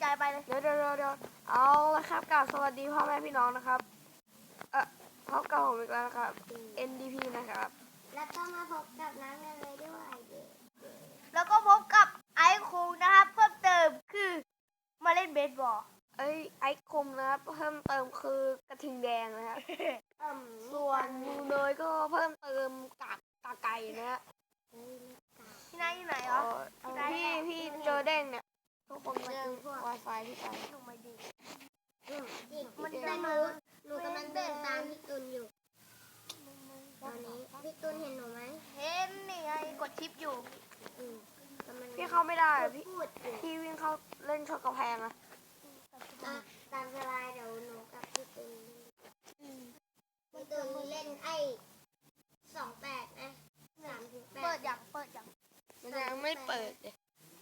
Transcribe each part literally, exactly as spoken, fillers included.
ใจไปเลยเดี๋ยวเดี๋ยวเดี๋ยวเอาละครับกล่าวสวัสดีพ่อแม่พี่น้องนะครับเอ่อพบกับผมอีกแล้วนะครับ เอ็น ดี พี นะครับแล้วก็มาพบกับน้ำเนยด้วยแล้วก็พบกับไอซ์คูนะครับเพิ่มเติมคือมาเล่นเบสบอลเอ้ยไอซ์คมนะครับเพิ่มเติมคือกระทิงแดงนะครับ ส่วนมูเนยก็เพิ่มเติมกากกาไก่นะฮะพี่นายอยู่ไหนเหรอพี่พี่เจอเด้งเนี่ยทุกคนมาดึง Wi-Fi พี่ไปหนูไม่ดีมันแต่หนูหนูกำลังเดินตามพี่ตุนอยู่ตอนนี้พี่ตุนเห็นหนูไหมเห็นนี่ไงกดชิปอยู่อืมกำลังพี่เข้าไม่ได้อะพี่พูดอยู่พี่วิ่งเข้าเล่นชนกระแพงอะอ่ะตามสบายเดี๋ยวหนูกับพี่ตุนพี่ตุนเล่นไอ้สองแปดนะสามถึงแปดเปิดอย่างเปิดอย่างมันยังไม่เปิดเลย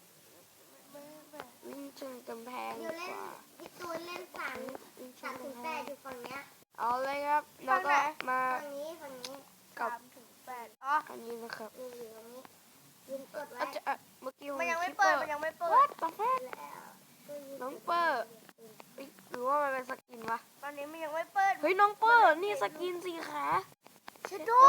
วิ่งชนกำแพงอดียู่เล่กนว่าพี่ตุนเล่นสามวิ่งชสาน มถึงกำแปแพดงอยู่ฝั่งเนี้ยเอาเลยครับแล้วก็มาฝั่งนี้ฝั่งนี้กับสามถึงแปดอ๋ออันนี้นะครับนี่อยู่ตรงนี้ยืนกดไว้อาจจะอ่ะเมื่อกี้มันยังไม่คิเปิดปมันยังไม่เปิวัดดตาแฟแล้วก็ยืน้องเปอร์เอ้ยหรือว่ามันเป็นสกินวะตอนนี้มันยังไม่เปิดเฮ้ยน้องเปอร์นี่สกินสีขาเชดโด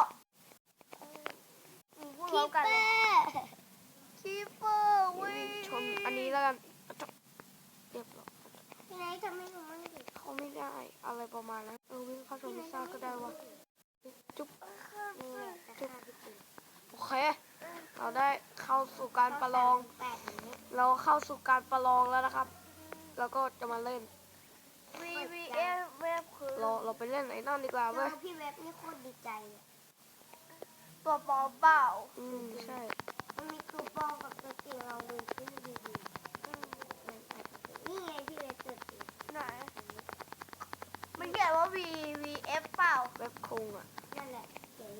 พูดพร้อมกันเลยคีเปอร์เว้ยชนอันนี้แล้วกันเรียบร้อยพี่ไหนทำให้หนูมั่งดิเขาไม่ได้อะไรประมาณนั้นเออวิ่งเข้าชนพิซซ่าก็ได้วะจุ๊บนี่แหละจะฆ่าพี่ตุนโอเคเราได้เข้าสู่การประลองแปดอย่างนี้เราเข้าสู่การประลองแล้วนะครับ แล้วก็จะมาเล่นวีวีเอฟเวฟคือเราเราไปเล่นไอ้นั่นดีกว่าแล้เว้วย พี่เว็บนี่โคตรดีใจเลยตัวปลอมเปล่าอืมใช่มันมีตัวปลอมกับตัวจริงเราดูที่ดีดีนี่ไงพี่เว็บตัวจริงไหนมันเขียนว่า V V F เปล่าเว็บคงอ่ะนั่นแหละเจ๋ง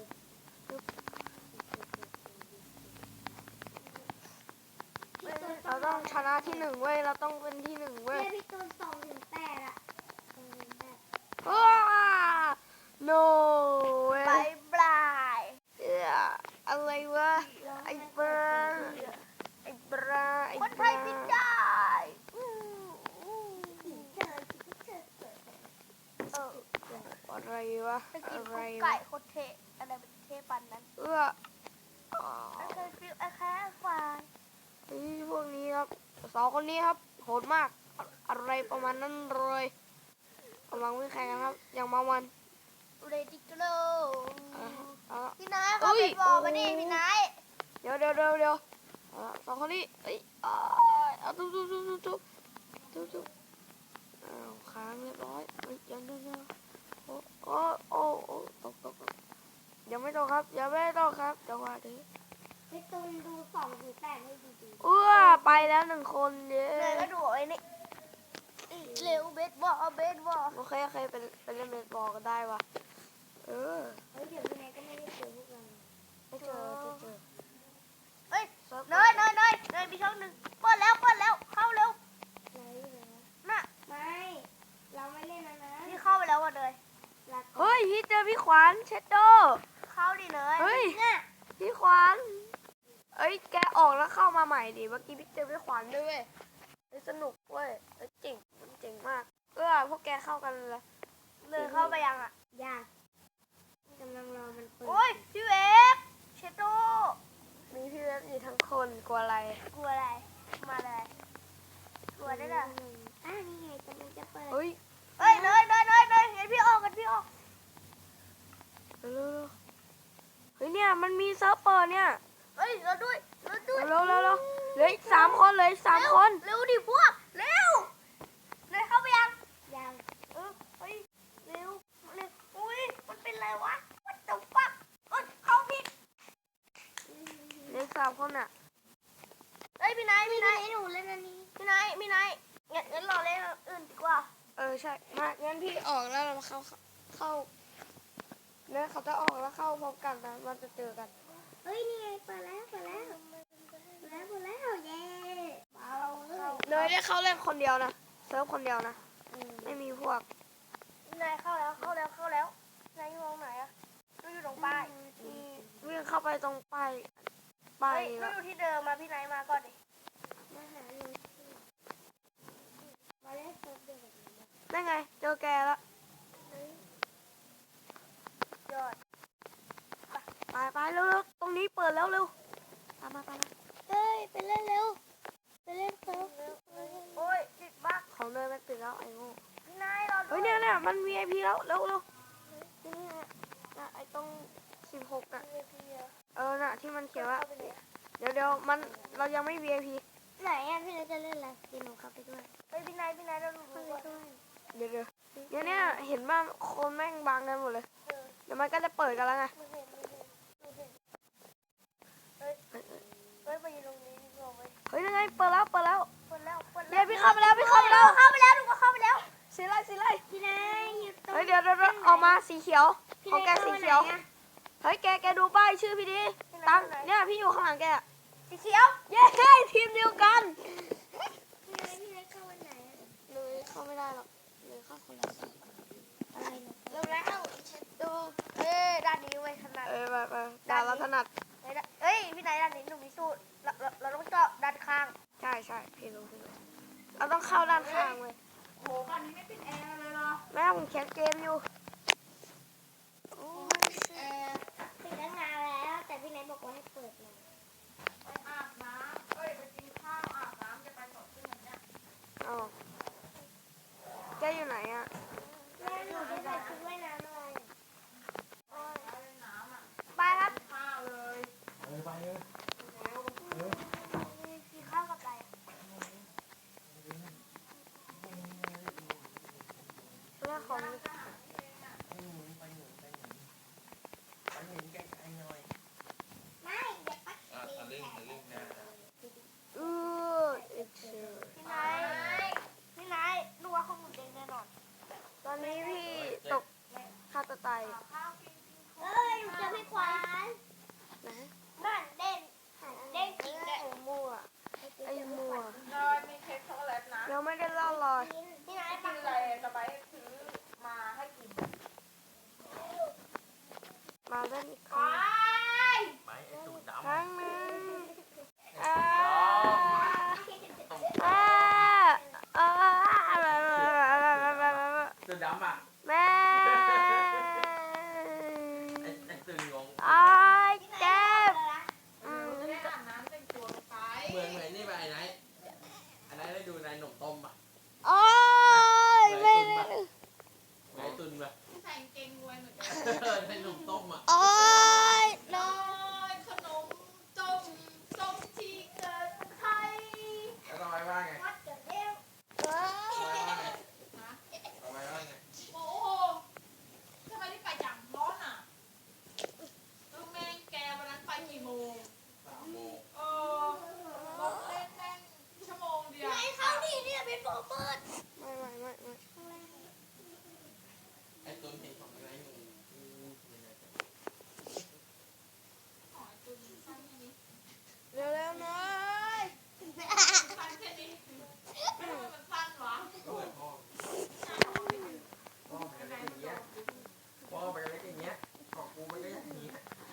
เราต้องชนะที่หนึ่งเว้ยเราต้องเป็นที่หนึ่งเว้ยเพื่อพี่ตูนสองถึงแปดอะสองถึงแปดว้า no เว้บาย ยบายเอ้ออะไรวะไอ้บราไอ้บราไอ้คนบไทรายพิได้อู้อู้เจอเจอเจอเอออะไรวะจะกินอะไรกุ๊กวะไก่โคตรเทอะไรเป็นเทปันนั้นเอื้ออ๋อไอ้เคยฟิลไอ้แค่ควายเฮ้ยพวกนี้ครับสองคนนี้ครับโหดมากอะอะไรประมาณนั้นเลยกำลังวิ่งแข่งกันครับอย่างมาวันเรดิกโลอ่ะเอาละพี่นายเขาเป็นบอลมาดิพี่นายเดี๋ยวเดี๋ยวเดี๋ยวเดี๋ยวเอาละสองคนนี้เอ้ยอ้ายเอาตุ๊บตุ๊บตุ๊บตุ๊บตุ๊บตุ๊บตุ๊บอ้าวค้างเรียบร้อยเฮ้ยยังยังยังโอ้โอ้โอ้โอ้ตกตกตกยังไม่ตกครับยังไม่ตกครับจังหวะนี้พี่ตูนดูสองถึงแปดให้ดีเอื้อไปแล้วหนึ่งคนเย้เลยก็ดูไอ้นี่เร็วเบสบอลเบสบอลโอเคโอเคไปไปเล่นเบสบอลกันได้วะเออๆเฮ้ยเดี๋ยวพี่ไหนก็ไม่ได้เจอพวกเราไม่เจอไม่เจอเฮ้ยเซิร์ฟเนยเนยเนยเนยมีช่องหนึ่งเปิดแล้วเปิดแล้วเข้าเร็วไหนเหรอน่ะไม่ เราไม่เล่นนะนะนี่เข้าไปแล้วว่ะเนยรักเฮ้ยพี่เจอพี่ขวานเชดโดเข้าดิเนยเฮ้ยเนี่ยพี่ขวานเอ้ยแกออกแล้วเข้ามาใหม่ดิเมื่อกี้พี่เจอพี่ขวานด้วยเว้ยเฮ้ยสนุกเว้ยเฮ้ยเจ๋งมันเจ๋งมากเออพวกแกเข้ากันเลยเนยเข้าไปยังอ่ะยากกำลังรอมันเปิดโอ้ยพี่เวฟเชโดมีพี่เว็บอยู่ทั้งคนกลัวอะไรกลัวอะไรมาเลยกลัวได้เหรออ่านี่ไงกำลังจะเปิดเฮ้ยเฮ้ยเนยเนยเนยเนยเห็นพี่ออกกันพี่ออกเร็วๆเฮ้ยเนี่ยมันมีเซิร์ฟเปอร์เนี่ยเฮ้ยเราด้วยเราด้วยเร็วๆเร็วๆเร็วเหลืออีกสามคนเหลยสามคนเร็วดิพวกเร็วเนยเข้าไปยังยังเออเฮ้ยเร็วเร็วอุ้ยมันเป็นไรวะ what the fuck เอ้ยเข้าผิดเหลืออีกสามคนอ่ะเฮ้ยพี่นายพี่พี่ไหนนายหนูเล่นอันนี้พี่นายพี่นายงั้นงั้นรอเล่นอันอื่นดีกว่าเออใช่มางั้นพี่ออกแล้วเรามาเข้าเข้าเนี่ยเขาจะออกแล้วเข้าพร้อมกันนะมันจะเจอกันเฮ้ยนี่ไงเปิดแล้วเปิดแล้วเปิดแล้วเปิดแล้วเย้เบาเลยเนยได้เข้าเล่นคนเดียวนะเซิร์ฟคนเดียวนะอืมไม่มีพวกพี่นายเข้าแล้วเข้าแล้วเข้าแล้วนายอยู่ตรงไหนอะเราอยู่ตรงป้ายมีวิ่งเข้าไปตรงป้ายป้ายเฮ้ยนี้เราแล้วอยู่ที่เดิมมาพี่นายมาก่อนดิมาหาหนูเนี่ยมัน วี ไอ พี แล้วเร็วเร็วที่นี่ฮะน่ะไอ้ตรงสิบหกอ่ะเออน่ะที่มันเขียนว่าเดี๋ยวเดี๋ยวมันเรายังไม่ วี ไอ พีไหนอ่ะพี่นัทจะเล่นอะไรพี่หนูเข้าไปด้วยเฮ้ยพี่นายพี่นายเราดูเข้าไปก่อนด้วยเดี๋ยวเดี๋ยวเดี๋ยวเนี่ยเห็นว่าคนแม่งบังกันหมดเลยเออเดี๋ยวมันก็จะเปิดกันแล้วไงไม่เห็นไม่เห็นไม่เห็นเฮ้ยเฮ้ยไปยืนตรงนี้ดีกว่าเว้ยเฮ้ยยังไงเปิดแล้วเปิดแล้วเปิดแล้วเปิดเดี๋แล้ยว วพี่เข้าไปแล้วพี่เข้าไปแล้วเข้าไปแล้วดูก็เข้าไปแล้วสีไรสีไรพี่นายอยู่ตรงเฮ้ยเดี๋ยวเดี๋ยวเดี๋ยวออกมาสีเขียวพี่ของแกนายสีเข้าเขียวไหนอะเฮ้ยแกแกดูป้ายชื่อพี่ดีตั้งเนี่ยพี่อยู่ข้างหลังแกอะสีเขียวเย้ทีมเดียวกันพี่นายพี่นายเข้าวันไหนอะเลยเข้าไม่ได้หรอกเลยเข้าคนละฝั่งอะไรนะเริ่มแล้วดูเอ้ยด้านนี้เว้ยถนัดเออไปไปดาวเราถนัดเฮ้ยเอ้ยพี่นายด้านนี้หนูมีสูตรเราเราเราต้องเจาะด้านข้างใช่ใช่พี่รู้พี่รู้เราต้องเข้าด้านข้างเลยโอ้โหบ้านนี้ไม่ปิดแอร์เลยเหรอแม่ผมแคสเกมอยู่โอ้ยเออปิดตั้งนานแล้วแต่พี่นายบอกว่าให้เปิดหน่อยไปอาบน้ำเอ้ยไปกินข้าวอาบน้ำจะไปสดขึ้นแบบเนี้ยอ๋อแกอยู่ไหนอะแม่หนูจะใส่ชุดว่ายน้ำอะไรอะไปครับเออไปเลยกินข้าวกับอะไรเรื่องของไปหนุนไปหนุนไปหนุนไปหนุนไกลๆหน่อยไม่เดี๋ยวปักอ่ะทะลึ่งทะลึ่งนะเออเอ็กเซอร์พี่นายพี่นายดูว่าของหนูเด้งแน่นอนตอนนี้พี่ตกฆ่าตัวตายเอ้ยหนูเจอพี่ขวานนะนั่นเด้งเด้งจริงเลยไอ้มั่วไอ้มั่วนอยมีเค้กช็อกโกแลตนะยังไม่ได้เล่าเลยพี่นายกิปันกอะไรจะไปซื้อมาให้กินมาเล่นอีกครั้งไปไอ้ตูดดำครั้งหนึ่งอ่าตรงอ่าอ่าตูดดำอ่ะแม่ไอ้ไอ้ตูดงงไอ้ายเจ็บอืมไม่ได้อาบน้ำแต่งตัวลงไปเหมือนเหมือนนี่ไปไอ้ไหนไอ้ไหนได้ดูในหนมต้มอ่ะโอ้ยไม่ได้เหมือนไอ้ตุนป่ะใส่กางเกงมวยเหมือนกันในหนมต้มอ่ะโอ้ยนอยขนมจมส้มที่เกิดไทยแล้วต่อไปว่าไงวัดเดี๋ยวเร็วต่อไปว่าไงนะต่อไปว่าไงโอ้โหทำไมที่ไปอย่างร้อนอ่ะลูกแม่งแกวันนั้นไปกี่โมงสามโมงเออรถเล่นแม่งชั่วโมงเดียวไอ้เข้าดิเนี่ยเป็นโฟเปิดไม่ไม่ไม่ไม่ไอ้ตุนเห็นของไอ้ไหนงูงูเป็นไงกันอ๋อตัวนี้สั้นแค่นี้เร็วๆหน่อยสั้นแค่นี้ทำไมมันสั้นวะก็เหมือนพ่อพ่อเป็นอะไรอย่างเงี้ยพ่อเป็นอะไรอย่างเงี้ยของกูมันก็อย่างนี้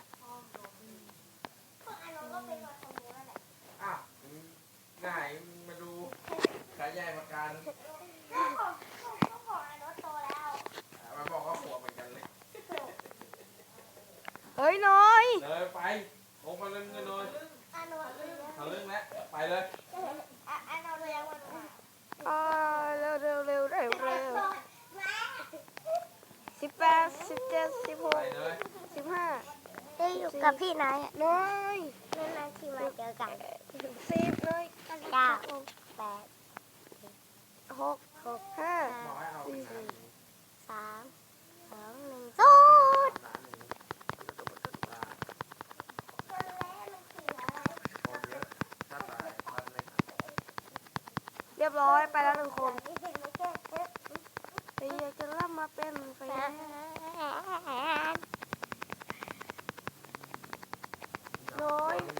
พวกอันนั้นก็เป็นวัดของหนูนั่นแหละอ้าวไหนมาดูขายใหญ่ประกันก็ของก็ของอันนั้นโตแล้วมาบอกว่าหัวเหมือนกันเลยเฮ้ยหน้อยเลยไปลงมาเล่นกันเลยอันนั้นเลยทะลึ่งแล้วไปเลยอันนั้นเลยวันอ่าเร็วเร็วเร็วเร็วเร็วสิบแปดสิบเจ็ดสิบหไปกเลยสิบห้าได้อยู่กับพี่นายน้อยนานๆทีมาเจอกันสิบเลยเก้าแปดหกหกห้าบอกให้เอาไปงานสามสองหนึ่งศูนย์ร้านหนึ่งตาคนเยอะถ้าตายพันเลยเรียบร้อยไปแล้วหนึ่งคนแต่อยากจะรับมาเป็นแฟนน้อย